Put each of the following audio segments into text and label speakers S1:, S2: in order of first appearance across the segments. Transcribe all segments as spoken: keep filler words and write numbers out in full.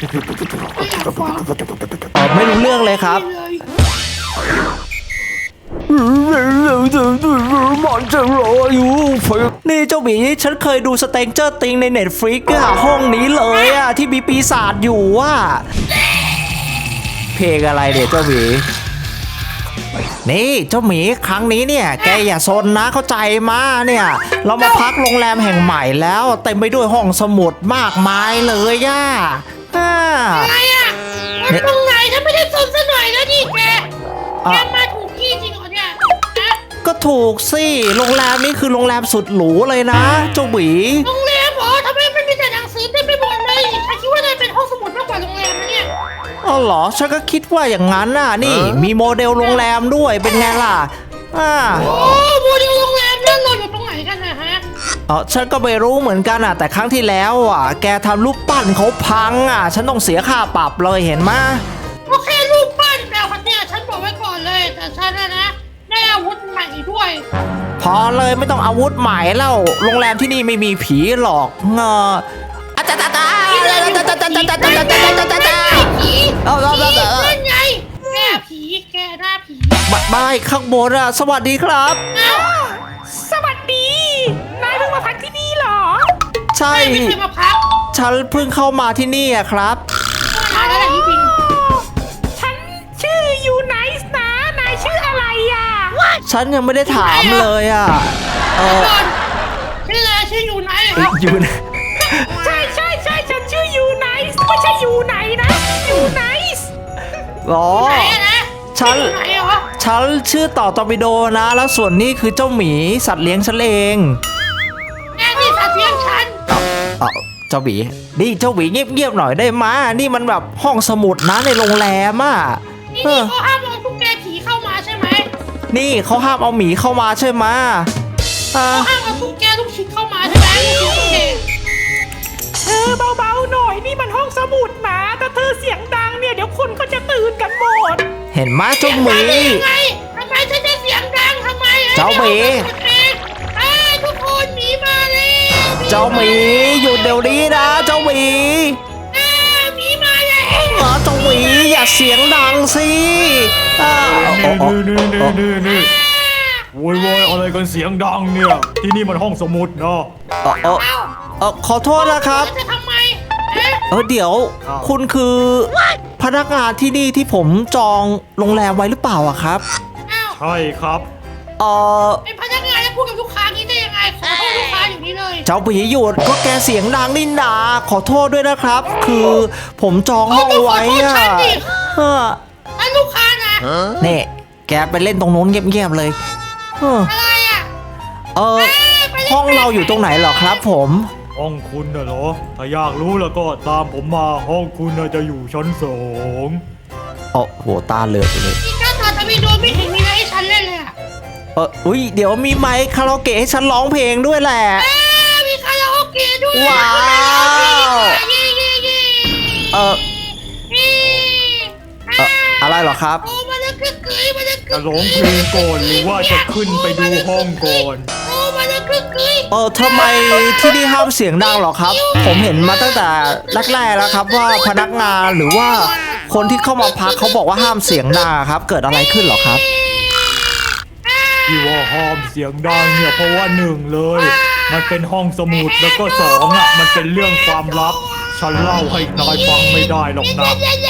S1: อ๋อไม่รู้เรื่องเลยครับมันจะรออยู่นี่เจ้าหมีฉันเคยดูสเตนเจอร์ติงในเน็ตฟลิกอะห้องนี้เลยอะที่มีปีศาจอยู่ว่าเพลงอะไรเดี๋ยวเจ้าหมีนี่เจ้าหมีครั้งนี้เนี่ยแกอย่าซนนะเข้าใจมาเนี่ยเรามาพักโรงแรมแห่งใหม่แล้วเต็มไปด้วยห้องสมุดมากมายเลยย่า
S2: อะไรอ่ะมันตรงไหนถ้าไม่ได้ซนซะหน่อยแล้วดิแกแกมาถูกที่จริงเหรอเนี่ย
S1: ก็ถูกสิโรงแรมนี้คือโรงแรมสุดหรูเลยนะเจ้าหมี
S2: โรงแรมเหรอทำไมมันมีแต่หนังสือเต็มไปหมดเลยฉันคิดว่าน่าเป็นห้องสมุดมากกว่าโรงแรมนะเนี่ย
S1: อ๋อเหรอฉันก็คิดว่าอย่างนั้นน่ะนี่มีโมเดลโรงแรมด้วยเป็นไงล่ะอ่า
S2: โอ้โมเดลโรงแรมนั่นเราอยู่ตรงไหนกันนะฮะ
S1: อ๋อฉันก็ไม่รู้เหมือนกันอ่ะแต่ครั้งที่แล้วอ่ะแกทำรูปปั้นเขาพังอ่ะฉันต้องเสียค่าปรับเลยเห็นไหม
S2: โอเครูปปั้นแต่คนเนี่ยฉันบอกไว้ก่อนเลยแต่ฉันนะนะได้อาวุธใหม่ด้วย
S1: พอเลยไม่ต้องอาวุธใหม่แล้วโรงแรมที่นี่ไม่มีผีหรอกเงออาจารย์ตาตา
S2: ผีเอาเราเราเป็นไงแกผีแกหน้าผี
S1: บัดบายข้างบนอ่ะสวัสดีครับ
S2: สวัสดีนายเพิ่งมาพักที่นี่เหรอ
S1: ใช่
S2: ไม่เคยมาพัก
S1: ฉันเพิ่งเข้ามาที่นี่อะครับ
S2: นานแล้วแหละจริง
S3: ฉันชื่อยูไนส์นะนายชื่ออะไรอ่ะ
S1: ฉันยังไม่ได้ถามเลยอ่ะ
S2: เออชื่ออะไรชื่อยูไนส์เหรอ
S1: ยูไน
S3: ใช่ใช่ใช่ฉันชื่อยูไนส์ไม่ใช่ยูไนนะยูไนส์
S1: หรอฉันฉันชื่อต่อตอร์ปิโดนะแล้วส่วนนี้คือเจ้าหมีสัตว์เลี้ยงฉันเอง
S2: แกนี่สัตว์เลี้ยงฉัน
S1: อ๋อเจ้าหมีนี่เจ้าหมีเงียบๆหน่อยได้ไหมนี่มันแบบห้องสมุดนะในโรงแรมอ่ะ
S2: นี่เขาห้ามเอาทุกแกผีเข้ามาใช่ไหม
S1: นี่เขาห้ามเอาหมีเข้ามาใช่ไหม
S2: เขาห้ามเอาทุกแกทุกชิ้นเข้ามาใช่ไหม
S3: เธอเบาๆหน่อยนี่มันห้องสมุดนะถ้าเธอเสียงดังเนี่ยเดี๋ยวคนก็จะตื่นกันหมด
S1: เห็นไหมเจ้าหมี
S2: ทำไมฉันจะเสียงดังทำไม
S1: เจ้าหมี
S2: ทุกคนหมีมาเลย
S1: เจ้าหมีหยุดเดี๋ยวนี้นะเจ้าหมี
S2: หมีมาเลย
S1: อ๋อเจ้าหมีอย่าเสียงดังสิ
S4: นี่นี่นี่นี่นี่โวยวายอะไรกันเสียงดังเนี่ยที่นี่มันห้องสมุดเนาะ
S1: เออเออขอโทษนะครับ
S2: จะทำไม
S1: เออเดี๋ยวคุณคือพนักงานที่นี่ที่ผมจองโรงแรมไว้หรือเปล่าอะครับ
S4: ใช่ครับ
S1: เออ
S2: เป็นพนักงานแล้วพูดกับลูกค้างี้ได้ยังไงขอโทษลูกค้าอยู่นี่เลย
S1: เจ้าผีหยุดก็แกเสียงดังนี่นาขอโทษด้วยนะครับคือผมจองห้องไว้อะ
S2: ถ้าลูกค้านะ
S1: เนี่ยแกไปเล่นตรงโน้นเงียบๆเลย
S2: อะไรอะ
S1: เออห้องเราอยู่ตรงไหนเหรอครับผม
S4: ห้องคุณน่ะเหรอถ้าอยากรู้แล้วก็ตามผมมาห้องคุณน่ะจะอยู่ชั้นสอง
S1: โอ้โหตาเหลือกเลย
S2: นี่ก็ตอนจะมีโดนไม่เห็นมีอะไรให้ฉันเล่นเลยอะ
S1: เอออุ้ยเดี๋ยวมีไมค์คาราโอเกะให้ฉันร้องเพลงด้วยแหละ
S2: มีคาราโอเกะด้วย
S1: ว้าวเอออะไรเหรอครับ
S4: จะร้องเพลงก่อนหรือว่าจะขึ้นไปดูห้องก่อน
S1: เออทำไมที่นี่ห้ามเสียงดังหรอครับผมเห็นมาตั้งแต่แรกๆแล้วครับว่าพนักงานหรือว่าคนที่เข้ามาพักเขาบอกว่าห้ามเสียงดังครับเกิดอะไรขึ้นหรอครับ
S4: ที่ว่าห้ามเสียงดังเนี่ยเพราะว่าหนึ่งเลยมันเป็นห้องสมุดแล้วก็สองอ่ะมันเป็นเรื่องความลับฉันเล่าให้นายฟังไม่ได้หรอกนะ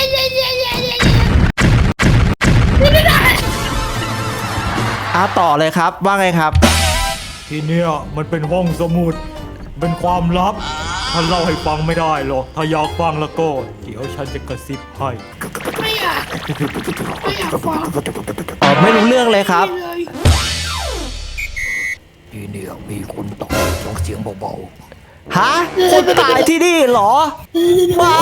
S1: อ่ะต่อเลยครับว่าไงครับ
S4: ที่เนี่ยมันเป็นห้องสมุดเป็นความลับฉันเล่าให้ฟังไม่ได้หรอกถ้าอยากฟังแล้วก็เดี๋ยวฉันจะกระซิบให้
S2: ไม่อยากไม่อยากฟัง
S1: อ๋อไม่รู้เรื่องเลยครับ
S5: ที่นี่มีคนตายร้องเสียงเบา
S1: ๆฮะคนตายที่นี่เหรอไม่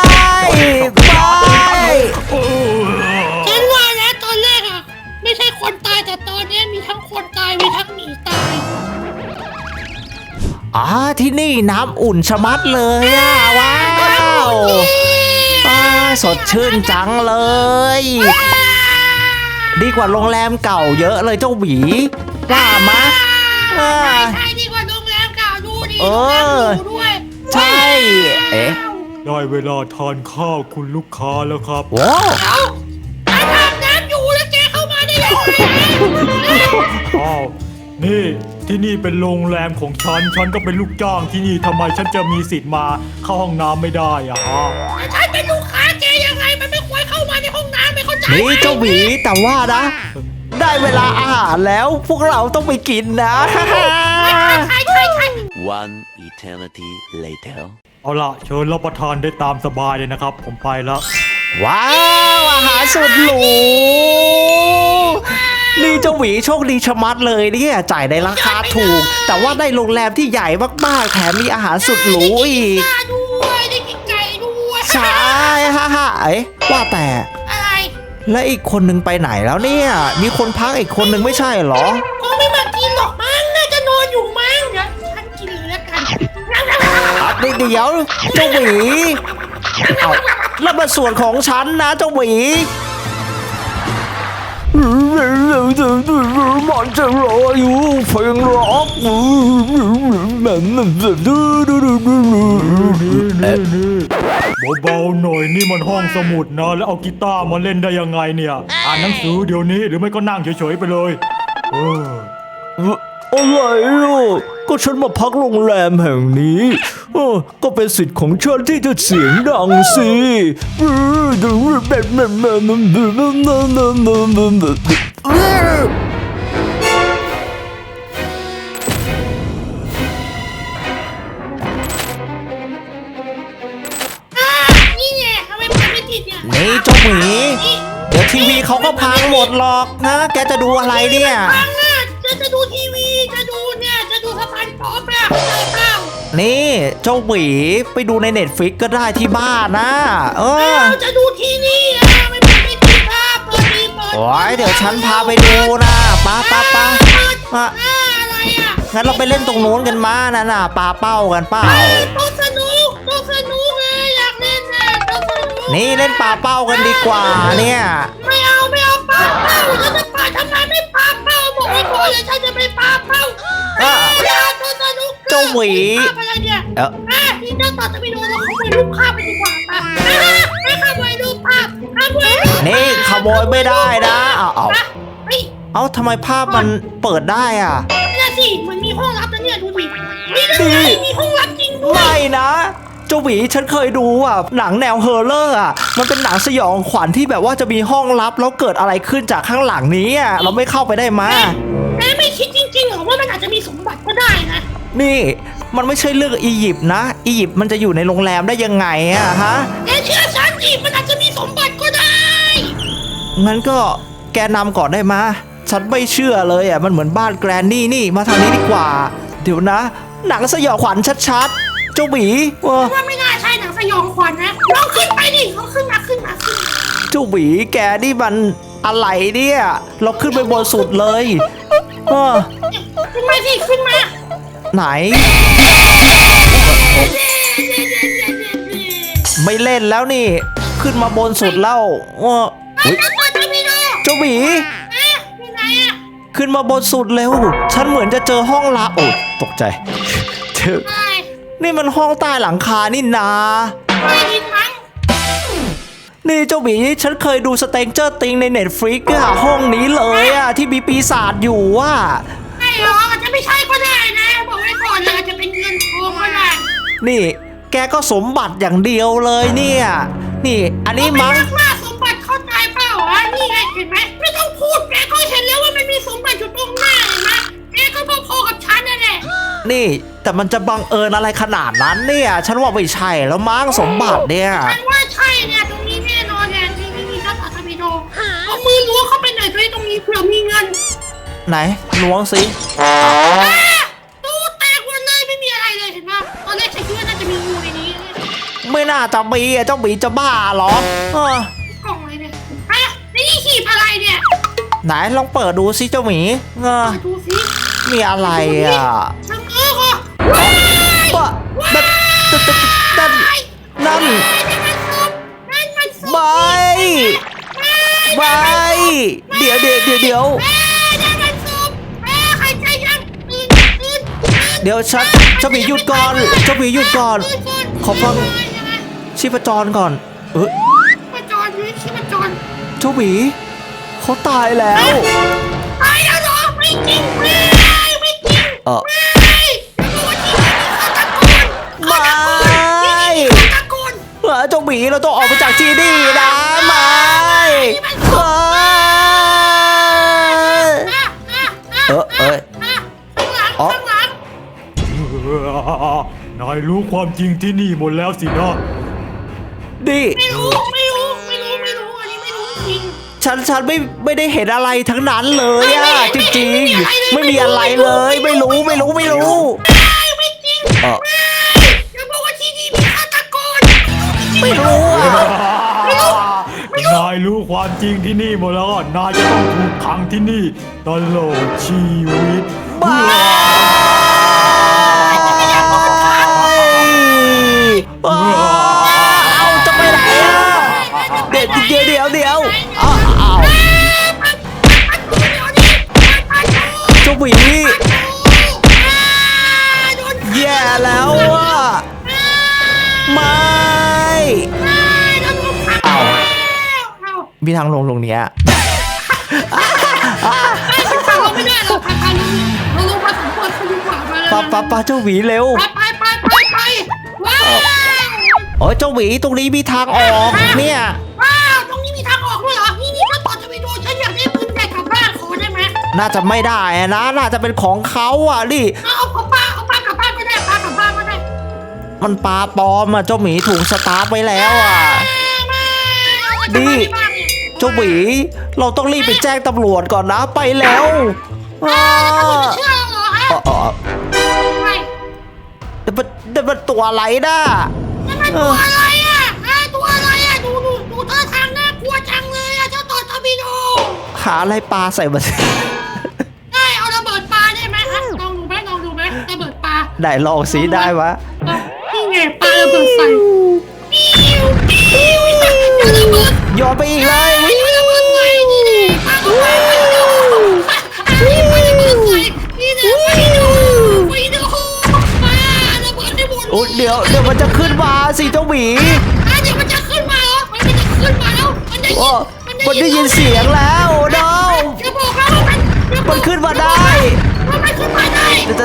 S1: ไม่
S2: ฉันว่าแล้วตอนแรกอะไม่ใช่คนตายแต่ตอนนี้มีทั้งคนตายมีทั้งหมีตาย
S1: อ๋อที่นี่น้ำอุ่นชะมัดเลยอ่ะว้าวสดชื่นจังเลยดีกว่าโรงแรมเก่าเยอะเลยเจ้าหมีว่ามะ
S2: ใช่ดีกว่าโรงแรมเก่าดูดิ
S1: เออใช่เอ๊ะ
S4: ได้เวลาทานข้าวคุณลูกค้าแล้วครับ
S1: ว้าว
S2: เอาอาบน้ำอยู่แล้วแกเข้ามาได้ยังไง
S4: อ้าวนี่ที่นี่เป็นโรงแรมของฉันฉันก็เป็นลูกจ้างที่นี่ทำไมฉันจะมีสิทธิ์มาเข้าห้องน้ำไม่ได้อะฮะ
S2: ฉันเป็นลูกค้าแกยังไงมันไม่ควรเข้ามาในห้องน้ำไม่เข้าใจ
S1: นี่เจ้าหมีแต่ว่านะ ได้เวลาอาหารแล้วพวกเราต้องไปกินนะ
S2: ใช่ใช่ใช่
S6: One eternity later.
S4: เอาล่ะเชิญรับประทานได้ตามสบายเลยนะครับ ผมไปแล้ว
S1: ว้าวอาหารสุดหรูนี่เจ้าหวีโชคดีชะมัดเลยเนี่ยจ่ายในราคาถูก แต่ว่าได้โรงแรมที่ใหญ่มากๆแถมมีอาหารสุดหรูอีก
S2: ได้ด้วยได้กินไก่ด้วย
S1: ใช่ฮ่าฮ่าเอ๊ะว่าแต่
S2: อะไร
S1: แล้วอีกคนนึงไปไหนแล้วเนี่ย มีคนพักอีกคนนึงไม่ใช่เหรอ
S2: คงไม่มากินหรอกมั้งน่าจะนอนอยู่มั้งเดี๋ยวฉันกินเลยแล้วกัน
S1: อ่ะเดี๋ยวเจ้าหวีเอาแล้วมาส่วนของฉันนะเจ้าหวีมันจะรออยู่เพลงร็อก
S4: นี่นี่เบาๆหน่อยนี่มันห้องสมุดนะแล้วเอากีตาร์มาเล่นได้ยังไงเนี่ย อ่านหนังสือเดี๋ยวนี้หรือไม่ก็นั่งเฉยๆไปเลยเออ
S1: อะไรอ่ะก็ฉันมาพักโรงแรมแห่งนี้เออก็เป็นสิทธิ์ของฉันที่จะเสียงดังสิ
S2: นี่ไงทำไมมันไม่ติดเนี่ย
S1: นี่เจ้าหมีเดี๋ยวทีวีเขาก็พังหมดหรอกนะ แกจะดูอะไรเนี่ย
S2: ฟังอ่ะจะจะดูทีวีจะดูเนี่ยจะดูสะพานป๊อปอ่ะเข้าใจเปล่า
S1: นี่เจ้าหวีไปดูในเน็ตฟลิกก็ได้ที่บ้านนะ เออ
S2: เราจะดูทีนี่อ่ะไม่ไม่ไม่ติดอ่ะเปิดดีเปิด
S1: โอ้ยเดี๋ยวฉันพาไปดูนะป้าป้าป้า
S2: เปิด
S1: อ่ะ
S2: อ่าอะไรอ่ะ
S1: งั้นเราไปเล่นตรงนู้นกันมานะน่ะปาเป้ากันเปล่า
S2: โต๊ะสนุกโต๊ะสนุกเลยอยากเล่นนะโต๊ะสนุก
S1: นี่เล่นปาเป้ากันดีกว่าเนี่ย
S2: ไม่เอาไม่เอาปาเป้าแล้วจะปาทำไมไม่ปาเป้าบอกไว้ก่อนเลยฉันจะไม่ปาเป้า
S1: อ่ะ
S2: อย่าโต๊ะสนุก
S1: เจ้าหวี
S2: ภาพอะไรเนี่ย
S1: เอ้า
S2: อ่ะที่เจ้าต่อจะไปดูเราขโมยรูปภาพไปดีกว่าป่ะไม่ขโมยรูปภาพขโมยรูปภาพ
S1: นี่ขโมยไม่ได้นะเอาเอา
S2: อ่ะเฮ้ย
S1: เอาทำไมภาพมันเปิดได้อ่ะ
S2: นี่สิมันมีห้องลับนะเนี่ยดูดินี่นั่นไงมีห้องลับจริงด้วย
S1: ไม่นะเจ้าหวีฉันเคยดูอ่ะหนังแนวเฮอร์เลอร์อ่ะมันเป็นหนังสยองขวัญที่แบบว่าจะมีห้องลับแล้วเกิดอะไรขึ้นจากข้างหลังนี้อ่ะเราไม่เข้าไปได้มา
S2: แม่ไม่คิดจริงๆเหรอว่ามันอาจจะมีสมบัติก็ได้นะ
S1: นี่มันไม่ใช่เรื่องอียิปต์นะอียิปต์มันจะอยู่ในโรงแรมได้ยังไงอะฮะ
S2: แกเชื่อฉันดิมันอาจจะมีสมบัติก็ได้
S1: งั้นก็แกนำก่อนได้มาฉันไม่เชื่อเลยอะมันเหมือนบ้านแกรนนี่นี่มาทางนี้ดีกว่า เดี๋ยวนะ หนังสยองขวัญชัดๆเจ้าหมีเออ
S2: ว่าไม่น่าใช่หนังสยองขวัญนะลองขึ้นไปดิลองขึ้นมาขึ้นมาขึ้นมา
S1: เจ้าหมีแกนี่มันอะไรเนี่ยเราขึ้นไปบนสุดเลยเออ
S2: ขึ้นมาสิขึ้นมา
S1: ไหน ไม่เล่นแล้วนี่ ขึ้นมาบนสุดแล้วเออ
S2: เฮ้
S1: อุ๊
S2: ย
S1: ย
S2: เปิดทีวีดู
S1: เจ้าหมี
S2: เอ๊ะอยู่ไหนอะ
S1: ขึ้นมาบนสุดเร็ว ฉันเหมือนจะเจอห้องลับโอ้ตกใจเจอ
S2: ใช่
S1: นี่มันห้องใต้หลังคานี่นา
S2: ไม่ดินมั้ง
S1: นี่เจ้าหมีฉันเคยดูสเตนเจอร์ติงในเน็ตฟลิกอะห้องนี้เลยอะที่มีปีศาจอยู่ว่ะ
S2: ไม่หรอกอาจจะไม่ใช่ก็ได้นะบอกไว้ก่อนเลยอาจจะเป็นเงินทองก็ได้
S1: นี่ แกก็สมบัติอย่างเดียวเลยเนี่ย นี่อันนี้มั้ง
S2: ไรักมากสมบัติเข้าใจเปล่าวะนี่ไงเห็นไหมไม่ต้องพูดแกก็เห็นแล้วว่ามันมีสมบัติอยู่ตรงหน้าเห็นไหมแกก็พอๆกับฉันนั่นแหละ
S1: นี่แต่มันจะบังเอิญอะไรขนาดนั้นเนี่ย ฉันว่าไม่ใช่แล้วมั้งสมบัติเนี่ย
S2: ฉันว่าใช่เนี่ยตรงนี้แน่นอนเนี่ยนี่นี่นี่ถ้าตัดทวิโดเอามือล้วงเข้าไปหน่อยด้วยตรงนี้เผื่อมีเงิน
S1: ไหนล้วงสิ
S2: อ่ะตู้แตกหมดเลยไม่มีอะไรเลยเห็นไหมตอนแรกฉันคิดว่าน่าจะมีงูในนี้เนี่ย
S1: ไม่น่าจะมีอะเจ้าหมีจะบ้าเหรอเออก
S2: ล่องอะไรเนี่ยอ่ะนี่หีบอะไรเนี่ย
S1: ไหนลองเปิดดูสิเจ้าหมีเออ
S2: เปิดดูสิ
S1: มีอะไรอ่ะ
S2: ชังเออก็ว้าย
S1: ปะนั่นนั่นนั่นนั่น
S2: นั่นมันศพนั่นมันศพ
S1: ใบใบเดี๋ยวเดี๋ยวเดี๋ยวเดี๋ยว
S2: แม่นั่นมันศพแม่ใครใจยังตื่นตื่นตื่น
S1: เดี๋ยวฉันเจ้าหมีหยุดก่อนเจ้าหมีหยุดก่อน ขอฟังชีพจรก่อน เออ
S2: มาจรนี่ชิมาจร
S1: เจ้าหมีเขาตายแล้ว
S2: ตายแล้วเหรอไม่จริงไม่ไม่จริง
S1: เออ
S2: ไม่รู้ว่าที่นี่มีฆาตกร
S1: ไม่
S2: ที่นี่มีฆาตกร
S1: เออเจ้าหมีเราต้องออกไปจากที่นี่นะไม่เออ
S2: อ่ะอ่ะอ่ะ
S1: เออเออ
S2: อ่ะข้างหลัง
S1: อ๋อ
S2: ข้างหลัง
S4: นายรู้ความจริงที่นี่หมดแล้วสินะ
S1: ดิ
S2: ไม่รู้ไม่รู้ไม่รู้ไม่รู้อันนี้ไม่รู้จริง
S1: ฉันฉันไม่ไม่ได้เห็นอะไรทั้งนั้นเลยอะจริงๆ ไม่มีอะไรเลย ไม่รู้ไม่รู้ไม่รู้
S2: ไม่ไม่จริง
S1: เออ
S2: อย่าบอกว่าที่นี่มีฆาตกร
S1: ไม่รู้อะ
S4: นายรู้ความจริงที่นี่หมดแล้วก็นายจะต้องถูกขังที่นี่ตลอดชีวิต
S1: บ้าเอาจะไปไหนอะเดี๋ยวเดี๋ยวเดี๋ยวเดี๋ยวเอาเอาเจ้าหวีแย่แล้วอะไม่เอามีทางลงลงเนี้ย
S2: ฟังเราไม่ได้เราพาพาลงเราลงมาสำรวจคนดีกว่ามา
S1: ปะปะปะเจ้าหวีเร็ว
S2: ไปไปไปไปไปว้าว
S1: โอ้ยเจ้าหวีตรงนี้มีทางออกเนี่ย
S2: ว้าวตรงนี้มีทางออกด้วยเหรอนี่นี่ถ้าต่อจะไปดูฉันอยากได้ปืนใหญ่กลับบ้านขอได้ไหม
S1: น่าจะไม่ได้อะนะ น่าจะเป็นของเขาอ่ะดิ
S2: เอาเอาป้าเอาป้ากลับบ้านก็ได้ป้ากลับบ้านก็ได้
S1: มันปลาปลอมอ่ะเจ้าหมีถูกสตาร์ฟไว้แล้วอ่ะ ดิ เจ้าหวีเราต้องรีบไปแจ้งตำรวจก่อนนะไปแล้วอ้า
S2: เชื่อเหรอฮะ
S1: เออเออ
S2: ไม่
S1: แต่มันแต่มันตัวอะไรนะ
S2: นั่นมันตัวอะไรอ่ะฮะตัวอะไรอ่ะดูดูดูท่าทางน่ากลัวจังเลยอ่ะเจ้าต่อตอร์ปิโด
S1: หาอะไรปลาใส่มาสิ
S2: ได้เอาระเบิดปลาได้ไหมฮะลองดูไหมลองดูไหมระเบิดปลา
S1: ได้ลองสีได้วะ
S2: นี่ไงปลาระเบิดใส่ปิ้วปิ้วอย่าระเบิด
S1: โยนไปอีกเลย
S2: อย่าระเบิดใส่นี่แหละปลาระเบิดใส่นี่ปลาระเบิดใส่นี่แหละไปดูไปดูปลาระเบิดได้หมด
S1: โอ้เดี๋ยวเดี๋ยวมันจะขึ้นมาสิเจ้าหมี
S2: อ่ะเดี๋ยวมันจะขึ้นมาเหรอมันจะขึ้นมาแล้วมันได้ยิ
S1: โอ้
S2: น
S1: มันได้ยินเสียงแล้วโน้
S2: จะบอกแล้วว่ามัน
S1: มันขึ้นมาได้
S2: มันไม่ขึ้นมาได้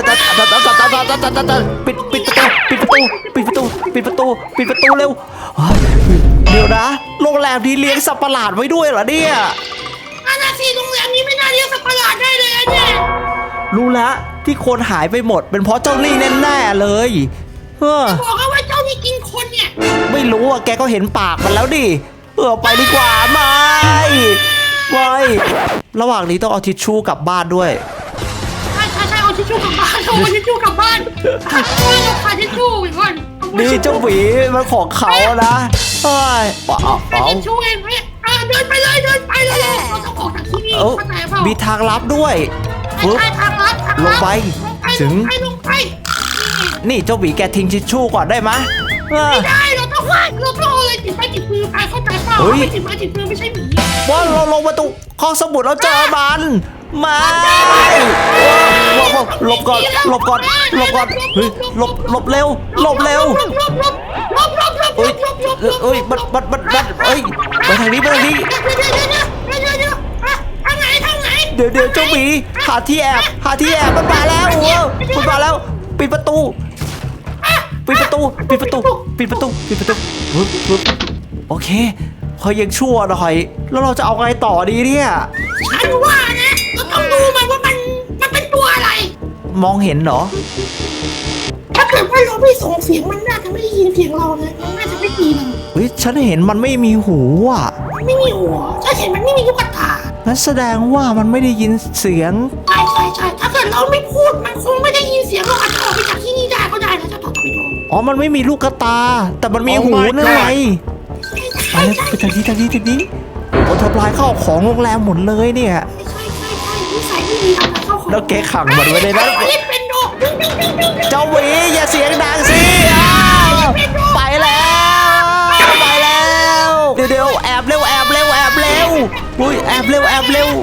S1: ปิดปิดประตูปิดประตูปิดประตูปิดประตูปิดประตูเร็วเดี๋ยวนะโรงแรมนี้เลี้ยงสัตว์ประหลาดไว้ด้วยเหรอเนี่ย
S2: อาณาทีโรงแรมนี้ไม่น่าเรียกสัตว์ประหลาดได้เลยอะเนี่ย
S1: รู้แล้วที่คนหายไปหมดเป็นเพราะเจ้าลี่แน่ๆเลยเออ
S2: บอกแล้วว่าเจ้านี่กินคนเนี่ย
S1: ไม่รู้อ่ะแกก็เห็นปากมันแล้วดิเออไปดีกว่าไม่ไม่ระหว่างนี้ต้องเอาทิชชู่กลับบ้านด้วย
S2: ใช่ใช่ใช่เอาทิชชู่กลับบ้านเอาทิชชู่กลับบ้านเอาขาทิชชู่อีกคน
S1: นี่เจ้าหวีมันของเขานะเอ้ยเอาเอา
S2: ขา
S1: เอา
S2: ทิชชู่เองไหมอ่ะเดินไปเลยเดินไปเลยเราต้องออกจากที่นี่
S1: เอา
S2: เข้าใจเปล่า
S1: มีทางลับด้วยปึ๊บ
S2: ใช่ทางลัดทาง
S1: ล
S2: ลั
S1: ง
S2: ด
S1: ไป
S2: ล
S1: ถึง
S2: งไปลงไป
S1: นี่เจ้าหวีแกทิ้งทิชชู่ก่อนได้ไหมเออ
S2: ไม่ได้เราต้องว่าเราต้องเอาอะไรติดไม้ติดมือไปเข้าใจเปล่า
S1: เฮ้ย
S2: ไม่ติดไม้ติดมือไม่ใช่หมี
S1: ว่าเราลงมาตรงห้องสมุดแล้วเจอมันไม่หลบหลบก่อนหลบก่อนหลบก่อนเฮ้ยหลบหลบเร็วหลบเร็ว
S2: หลบหลบหลบหลบหลบหลบ
S1: เอ้ย
S2: หลบหลบหลบ
S1: เอ้ยมันมันมันมันเอ้ยไปทางนี้ไปทางนี้
S2: เดี๋ยวเดี๋ยวเดี๋ยวเดี๋ยวเดี๋ยวเดี๋ยวอ่ะทางไหนทางไหน
S1: เดี๋ยวเดี๋ยวเจ้าหมีหาที่แอบหาที่แอบมันมาแล้วโอ้มันมาแล้วปิดประตูปิดประตูปิดประตูปิดประตูปิดประตูปึ๊บปึ๊บโอเคพอยังชั่วหน่อยแล้วเราจะเอาไงต่อดีเนี่ย
S2: ฉันว่านะเราต้องดูมันว่ามันมันเป็นตัวอะไร
S1: มองเห็นเหรอ
S2: ถ้าเกิดว่าเราไม่ส่งเสียงมันน่าจะไม่ได้ยินเสียงเราเลยมันน่าจะไม่ตีเรา
S1: เฮ้ยฉันเห็นมันไม่มีหูอ่ะ
S2: มันไม่มีหัวถ้าเห็นมันไม่มีลูกตา
S1: นั่นแสดงว่ามันไม่ได้ยินเสียง
S2: ใช่ใช่ใช่ถ้าเกิดเราไม่พูดมันคงไม่ได้ยินเสียงเราอาจจะออกไปจากที่นี่ได้ก็ได้นะเจ้าต่อไปดู
S1: อ๋อมันไม่มีลูกกระตา แต่มันมี
S4: Oh
S1: หู
S4: my
S1: นั่นไง
S2: ใช่
S1: ไป
S2: ใช่
S1: แล้ว
S2: ใช่
S1: ไปทางนี้ทางนี้ทางนี้โอ้ทำลายข้าวของโรงแรมหมดเลยเนี่ย
S2: ใช่ใช่ใช่นิสัยไม่ดีทำอะไรเข้าของ
S1: แล้วแกขังมันไว้ในนั้น
S2: เล่นเป็นโดดึงดึงดึงดึงดึง
S1: เจ้าหวีอย่าเสียงดังสิอ้าวไปแล้วไปแล้วเดี๋ยวเดี๋ยวแอบเร็วแอบเร็วแอบเร็วอุ้ยแอบเร็วแอบเร็ว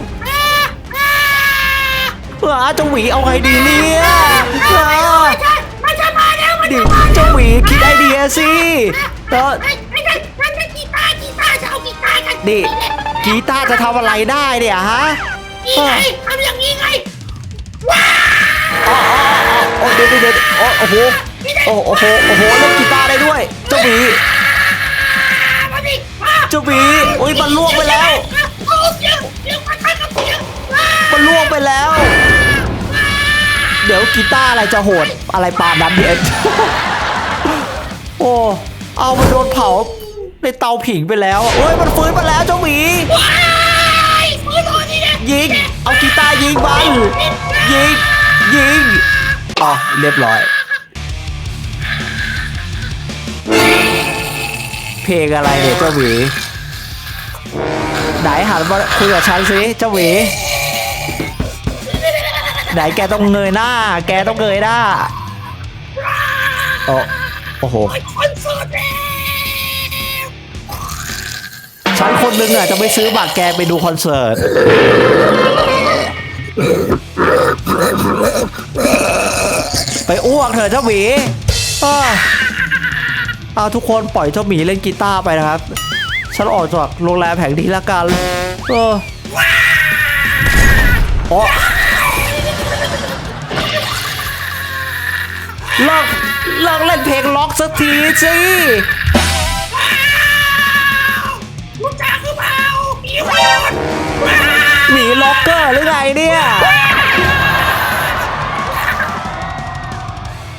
S1: อ้าเจ้าหวีเอาไงดีเนี่ยอ้า
S2: มันจะมาแล้วมัน
S1: ดิ
S2: จะมา
S1: เจ้าหวีคิดไอเดียสิแล้ว
S2: ไอ้
S1: นี่กีตาร์จะทำอะไรได้เนี่ยฮะ
S2: นี่ไงทำอย่างนี้ไง
S1: อ๋อโอ้เดี๋ยวเดี๋ยวโอ้โอ้โหโอ้โอ้โหโอ้โหเล่นกีตาร์ได้ด้วยเจ้าหมี
S2: มาดิมา
S1: เจ้าหมีโอ้ยมันล่วงไปแล้ว
S2: โอ้เสียงเสียงมันทันกับเสียง
S1: มันล่วงไปแล้ว เดี๋ยวกีตาร์อะไรจะโหดอะไรปานนั้นเนี่ย โอ้เอามันโดนเผาในเตาผิงไปแล้วโอ้ยมันฟื้นมาแล้วเจ้าหมี
S2: ว้ายฟื้นตัวนี่เนี่ย
S1: ยิงเอากีตาร์ยิงมันยิงยิงอ๋อเรียบร้อย เพลงอะไรเนี่ยเจ้าหมีไหนหันมาคุยกับฉันสิเจ้าหมีไหนแกต้องเงยหน้า แกต้องเงยหน้าโอ้โอ้โห
S2: คอนเสิร์ตแล้ว
S1: ฉันคนหนึงอ่ะจะไม่ซื้อบัตรแกไปดูคอนเสิร์ตไปอ้วกเถอะเจ้าหมีอ้าวเอาทุกคนปล่อยเจ้าหมีเล่นกีตาร์ไปนะครับฉันออกจากโรงแรมแห่งนี้ละกันเออโอ้เลิกเลิกเล่นเพลงล็อกสักทีสิ